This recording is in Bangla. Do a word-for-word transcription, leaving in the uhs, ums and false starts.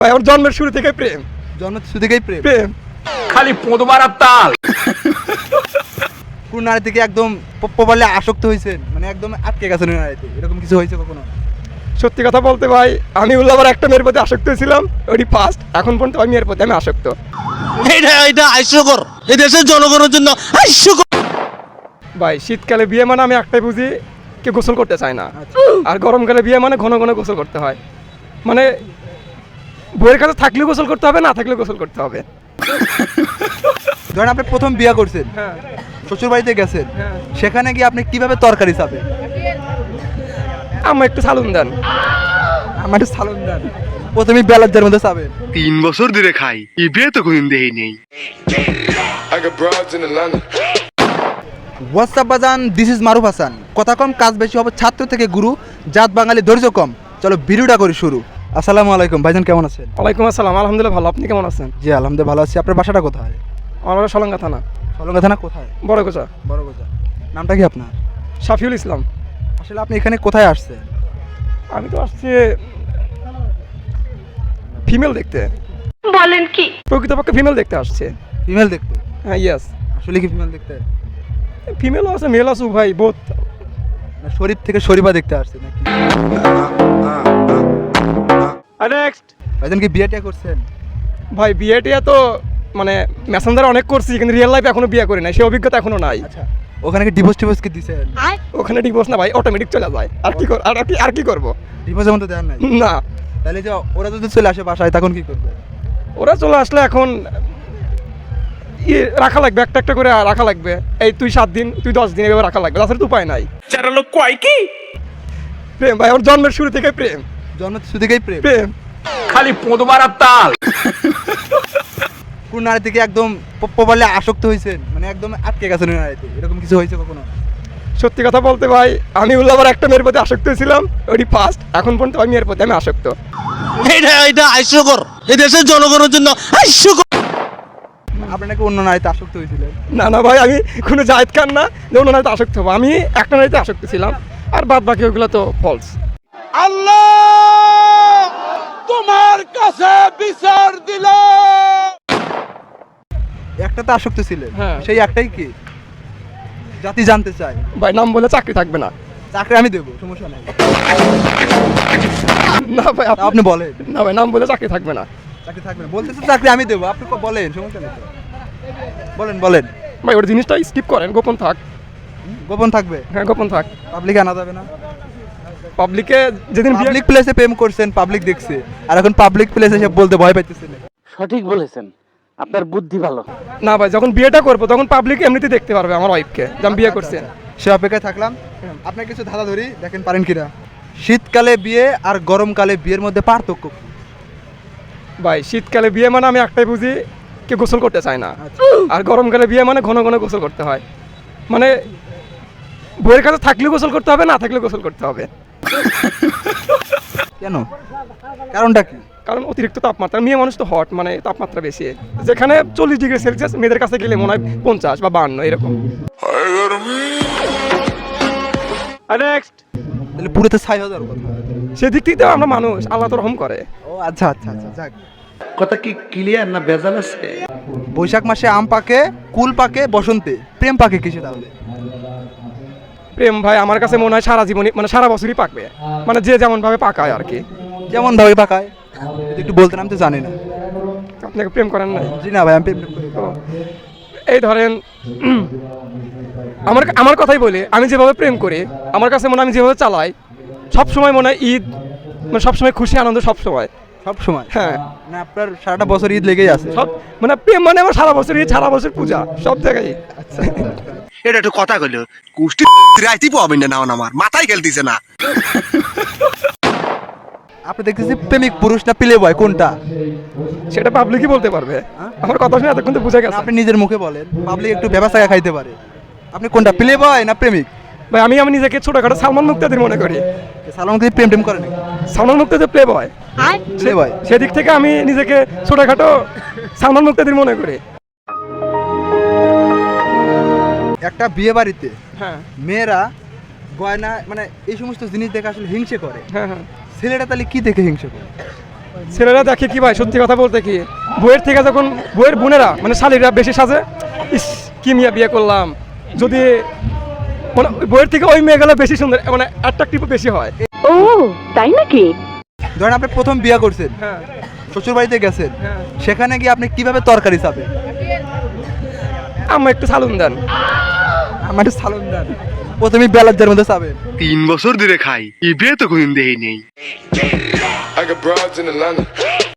আমার জন্মের শুরু থেকে প্রেম জন্মের শুরু থেকেই প্রেম প্রেম খালি পোঁদ মারার তাল। কোন নারী থেকে একদম প্রবলে আসক্ত হয়েছেন, মানে একদম আটকে গেছেন ওই নারীতে, এরকম কিছু হয়েছে কখনো? সত্যি কথা বলতে ভাই, আমি উল্লাবার একটা মেয়ের প্রতি আসক্ত ছিলাম, ওটি ফার্স্ট। এখন পর্যন্ত ওই মেয়ের প্রতি আমি আসক্ত। এটা এটা হাস্যকর, এই দেশের জনগণের জন্য হাস্যকর। ভাই শীতকালে বিয়ে মানে আমি একটাই বুঝি, কেউ গোসল করতে চায় না। আচ্ছা। আর গরমকালে বিয়ে মানে ঘন ঘন গোসল করতে হয়। মানে বইয়ের কাছে থাকলেও গোসল করতে হবে, না থাকলেও গোসল করতে হবে। ধরেন আপনি প্রথম বিয়ে করছেন, হ্যাঁ শ্বশুর বাড়িতে গেছেন, হ্যাঁ। সেখানে গিয়ে আপনি কিভাবে তরকারি চাবেন? আমার একটু সালুন দেন। আমার একটু সালন দেন। প্রথমে বেলাজ্জার মধ্যে চাবেন। তিন বছর ধরে খাই, এই বিয়ে তো কোনদিন দেখি নেই। I got broads in Atlanta. WhatsApp বাজান, দিস ইজ মারুফ হাসান। কথা কম কাজ বেশি হবে, ছাত্র থেকে গুরু, জাত বাঙালি ধৈর্য কম। চলো ভিডিওটা করি শুরু। আসসালামু আলাইকুম ভাইজান, কেমন আছেন? ওয়ালাইকুম আসসালাম, আলহামদুলিল্লাহ ভালো। আপনি কেমন আছেন? জি আলহামদুলিল্লাহ ভালো আছি। আপনার বাসাটা কোথায়? আমার বাড়ি সলঙ্গা থানা, সলঙ্গা থানা কোথায়? বড় কোচা। বড় গোজা। নামটা কি আপনার? শাফিউল ইসলাম। আসলে আপনি এখানে কোথায় আসছেন? আমি তো আসছি ফিমেল দেখতে। বলেন কি? প্রকৃতপক্ষে ফিমেল দেখতে আসছে। ফিমেল দেখতে? হ্যাঁ ইয়েস। আসলে কি ফিমেল দেখতে? ফিমেলও আছে মেল আছে ভাই, বোথ। না শরীফ থেকে শরীফা দেখতে আসছে নাকি? নেক্সট ভাইজান কি বিয়ে টিয়া করছেন? ভাই বিয়ে টিয়া তো মানে মেসেঞ্জারে অনেক করছি, কিন্তু রিয়েল লাইফে এখনো বিয়ে করি নাই, সেই অভিজ্ঞতা এখনো নাই। আচ্ছা, ওখানে কি ডিভোর্স টিভোর্স কি দিছেন? ওখানে ডিভোর্স না ভাই, অটোমেটিক চলে যায়। আর কি কর- আর আর কি আর কি করবো? ডিভোর্সের মধ্যে দেন নাই? না, তাহলে যে ওরা যদি চলে আসে বাসায় তখন কি করবে? ওরা চলে আসলে এখন ইয়ে রাখা লাগবে, একটা একটা করে রাখা লাগবে। এই তুই সাত দিন, তুই দশ দিন, এভাবে রাখা লাগবে, তাছাড়া তো উপায় নাই। চার লোক কয় কি প্রেম ভাই, আমার জন্মের শুরু থেকে প্রেম জন্মের শুরু থেকেই প্রেম? প্রেম খালি পোঁদ মারার তাল। কোন নারী থেকে একদম প্রবলে আসক্ত হয়েছেন, মানে একদম আটকে গেছেন ওই নারীতে, এরকম কিছু হয়েছে কখনো? সত্যি কথা বলতে ভাই, আমি উল্লাবার একটা মেয়ের প্রতি আসক্ত ছিলাম, ওটি ফার্স্ট। এখন পর্যন্ত ওই মেয়ের প্রতি আমি আসক্ত। এটা এটা হাস্যকর, এই দেশের জনগণের জন্য হাস্যকর। আপনি নাকি অন্য নারীতে আসক্ত হয়েছিলেন? না না ভাই, আমি কোনো জায়েদ খান না যে অন্য নারীতে আসক্ত হবো। আমি একটা নারীতে আসক্ত ছিলাম, আর বাদ বাকি ওগুলো তো ফলস। আল্লাহ তোমার কাছে বিচার দিল। একটা তো আসক্ত ছিলেন, হ্যাঁ। সেই একটাই কি জাতি জানতে চাই। ভাই নাম বলে চাকরি থাকবে না। চাকরি আমি দেবো, সমস্যা নাই। না ভাই তা আপনি আপনি বলেন। না ভাই, নাম বলে চাকরি থাকবে না। চাকরি থাকবে না বলতে তো, চাকরি আমি দেবো, আপনি ক- বলেন, সমস্যা নেই তো। বলেন বলেন। ভাই ওর জিনিসটা স্কিপ করেন, গোপন থাক। গোপন থাকবে? হ্যাঁ গোপন থাক। পাবলিকে আনা যাবে না? পাবলিকে যেদিন বিয়ে- পাবলিক প্লেসে প্রেম করছেন, পাবলিক দেখছে, আর এখন পাবলিক প্লেসে সে বলতে ভয় পাইতেছেন। সঠিক বলেছেন, আপনার বুদ্ধি ভালো। না ভাই, যখন বিয়েটা করবো তখন পাবলিক এমনিতে দেখতে পারবে আমার ওয়াইফকে যে আমি বিয়ে করছি। সে অপেক্ষায় থাকলাম। আপনার কিছু ধাঁধা ধরি, দেখেন পারেন কিনা। শীতকালে বিয়ে আর গরমকালে বিয়ের মধ্যে পার্থক্য কি? ভাই শীতকালে বিয়ে মানে আমি একটাই বুঝি, কেউ গোসল করতে চায় না। আচ্ছা। আর গরমকালে বিয়ে মানে ঘন ঘন গোসল করতে হয়। মানে বইয়ের কাছে থাকলেও গোসল করতে হবে, না থাকলেও গোসল করতে হবে। কেন? কারণটা কি? কারণ অতিরিক্ত তাপমাত্রা, মেয়ে মানুষ তো হট, মানে তাপমাত্রা বেশি। যেখানে চল্লিশ ডিগ্রি সেলসিয়াস, মেয়েদের কাছে গেলে মনে হয় পঞ্চাশ বা বান্ন এরকম। নেক্সট তাহলে পুরোতে ছাই হয়ে যাওয়ার কথা। সেদিক থেকে তো আমরা মানুষ, আল্লাহ তো রহম করে। ও আচ্ছা আচ্ছা আচ্ছা, যাক। কথা কি ক্লিয়ার না ভেজাল আছে? বৈশাখ মাসে আম পাকে, কুল পাকে বসন্তে, প্রেম পাকে কিসে তাহলে? প্রেম ভাই আমার কাছে মনে হয় সারা জীবনই, মানে সারা বছরই পাকবে, মানে যে যেমন ভাবে পাকায় আর কি। যেমন ভাবে পাকায় যদি একটু বলতেন, আমি তো জানি না। আপনাকে প্রেম করেন নাই? জি না ভাই, আমি প্রেম টেম করি না। তো এই ধরেন উম, আমার আমার কথাই বলি, আমি যেভাবে প্রেম করি, আমার কাছে মনে হয় আমি যেভাবে চালাই, সব সময় মনে হয় ঈদ, মানে সবসময় খুশি আনন্দ সব সময়। সব সময়? হ্যাঁ মানে আপনার সারাটা বছর ঈদ লেগেই আছে? সব মানে প্রেম মানে আমার সারা বছর ঈদ, সারা বছর পূজা, সব জায়গায়। এটা একটু কথা কইল, কুষ্টি রাইতি পাবেন না নাও, আমার মাথায় খেলতেছে না। আপনি দেখতেছি প্রেমিক পুরুষ না প্লে বয়, কোনটা? সেটা পাবলিকই বলতে পারবে। আমার কথা শুনে এতক্ষণ তো বুঝে না, গেছে। আপনি নিজের মুখে বলেন, পাবলিক একটু ব্যবস্থা খাইতে পারে। আপনি কোনটা, প্লে বয় না প্রেমিক? ভাই আমি আমি নিজেকে ছোটখাটো সালমান মুক্তাদির মনে করি। সালমান খান প্রেম টেম করে নাকি? সালমান মুক্তাদি প্লে বয়, প্লে বয়? সেদিক থেকে আমি নিজেকে ছোটখাটো সালমান মুক্তাদির মনে করি। একটা বিয়ে বাড়িতে হ্যাঁ মেয়েরা গয়না, মানে এই সমস্ত জিনিস দেখে আসলে হিংসে করে। হ্যাঁ হ্যাঁ ছেলেটা তাহলে কি দেখে হিংসে করে? ছেলেরা দেখে কি ভাই, সত্যি কথা বলতে কি, বইয়ের থেকে যখন বইয়ের বোনেরা মানে শালীরা বেশি সাজে, ইস কি মিয়া বিয়ে করলাম, যদি মানে ওই বইয়ের থেকে ওই মেয়েগুলো বেশি সুন্দর, মানে অ্যাট্রাকটিভ বেশি হয়। ও তাই নাকি? ধরেন আপনি প্রথম বিয়ে করছেন, হ্যাঁ শ্বশুর বাড়িতে গেছেন, হ্যাঁ। সেখানে গিয়ে আপনি কিভাবে তরকারি চাবেন? আমার একটু সালুন দেন। আমার একটু সালন দেন। প্রথমে বেলাজ্জার মধ্যে চাবেন। তিন বছর ধরে খাই, ই বিয়ে তো কোনদিন দেই নেই। I got broads in Atlanta.